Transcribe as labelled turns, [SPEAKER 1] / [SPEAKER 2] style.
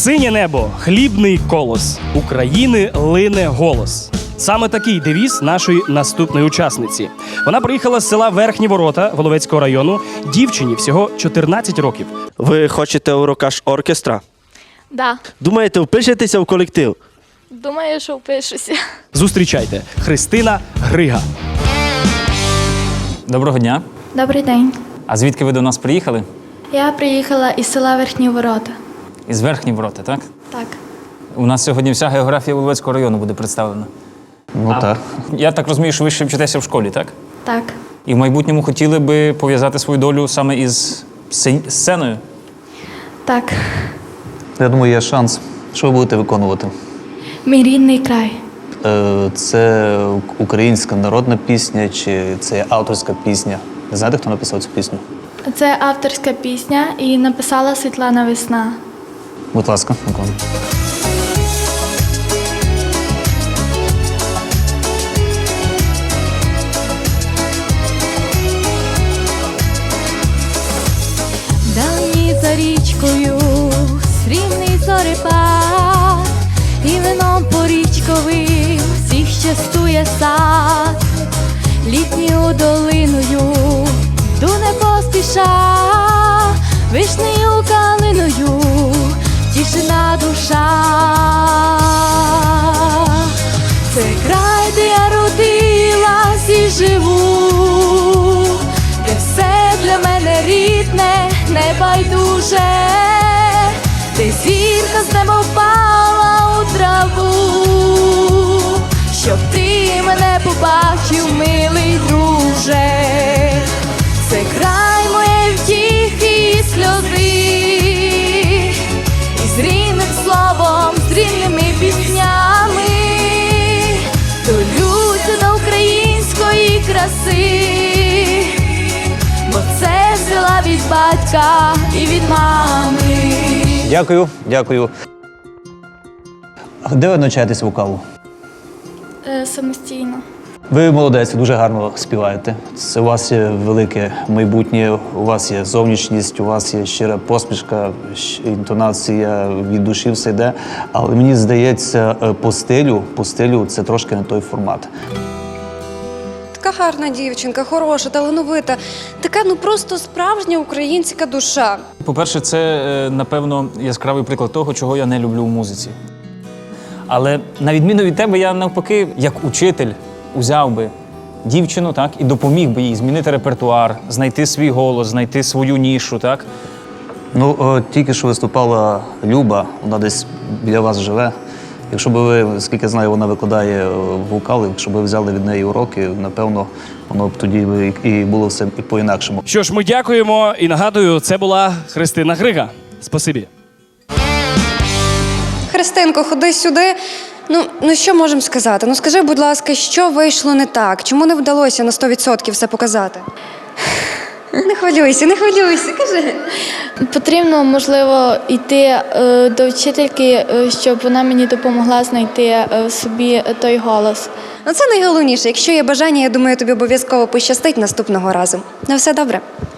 [SPEAKER 1] Синє небо, хлібний колос, України лине голос. Саме такий девіз нашої наступної учасниці. Вона приїхала з села Верхні Ворота Воловецького району. Дівчині всього 14 років.
[SPEAKER 2] Ви хочете урокаш оркестра?
[SPEAKER 3] Да.
[SPEAKER 2] Думаєте, впишетеся в колектив?
[SPEAKER 3] Думаю, що впишуся.
[SPEAKER 1] Зустрічайте, Христина Грига.
[SPEAKER 4] Доброго дня.
[SPEAKER 3] Добрий день.
[SPEAKER 4] А звідки ви до нас приїхали?
[SPEAKER 3] Я приїхала із села Верхні Ворота.
[SPEAKER 4] Із Верхні Ворота, так?
[SPEAKER 3] Так.
[SPEAKER 4] У нас сьогодні вся географія Воловецького району буде представлена.
[SPEAKER 2] Ну так.
[SPEAKER 4] Я так розумію, що ви ще вчитеся в школі, так?
[SPEAKER 3] Так.
[SPEAKER 4] І в майбутньому хотіли би пов'язати свою долю саме із сценою?
[SPEAKER 3] Так.
[SPEAKER 5] Я думаю, є шанс. Що ви будете виконувати?
[SPEAKER 3] Мій рідний край.
[SPEAKER 5] Це українська народна пісня чи це авторська пісня? Не знаєте, хто написав цю пісню?
[SPEAKER 3] Це авторська пісня і написала Світлана Весна.
[SPEAKER 5] Будь ласка, виконуйте.
[SPEAKER 3] Давні за річкою срібний зорепад, і вином порічковим всіх частує сад. Літньою долиною йду не поспіша, вишнею калиною тішина душа. Це край, де я родилась і живу, де все для мене рідне, небайдуже, де зірка з неба впала у траву, щоб ти мене побачив, милий друже. Це край моєї втіхи і сльози, і з рідним словом, з рідними піснями долюся до української краси, бо це взяла від батька і від мами.
[SPEAKER 5] Дякую, дякую. А де ви навчаєтесь вокалу?
[SPEAKER 3] Самостійно.
[SPEAKER 5] Ви молодець, дуже гарно співаєте. Це у вас є велике майбутнє, у вас є зовнішність, у вас є щира посмішка, інтонація, від душі все йде. Але мені здається, по стилю це трошки не той формат.
[SPEAKER 6] Така гарна дівчинка, хороша, талановита, така просто справжня українська душа.
[SPEAKER 4] По-перше, це, напевно, яскравий приклад того, чого я не люблю в музиці. Але на відміну від тебе, я навпаки, як учитель, узяв би дівчину, так, і допоміг би їй змінити репертуар, знайти свій голос, знайти свою нішу, так?
[SPEAKER 5] Ну, тільки що виступала Люба, вона десь біля вас живе. Якщо б ви, скільки знаю, вона викладає вокал, якщо б ви взяли від неї уроки, напевно, воно б тоді і було все і по-інакшому.
[SPEAKER 1] Що ж, ми дякуємо і нагадую, це була Христина Грига. Спасибі.
[SPEAKER 6] Христинко, ходи сюди. Ну що можемо сказати? Ну скажи, будь ласка, що вийшло не так? Чому не вдалося на 100% все показати? Не хвилюйся, кажи.
[SPEAKER 3] Потрібно, можливо, йти до вчительки, щоб вона мені допомогла знайти в собі той голос.
[SPEAKER 6] Ну це найголовніше. Якщо є бажання, я думаю, тобі обов'язково пощастить наступного разу. На все добре.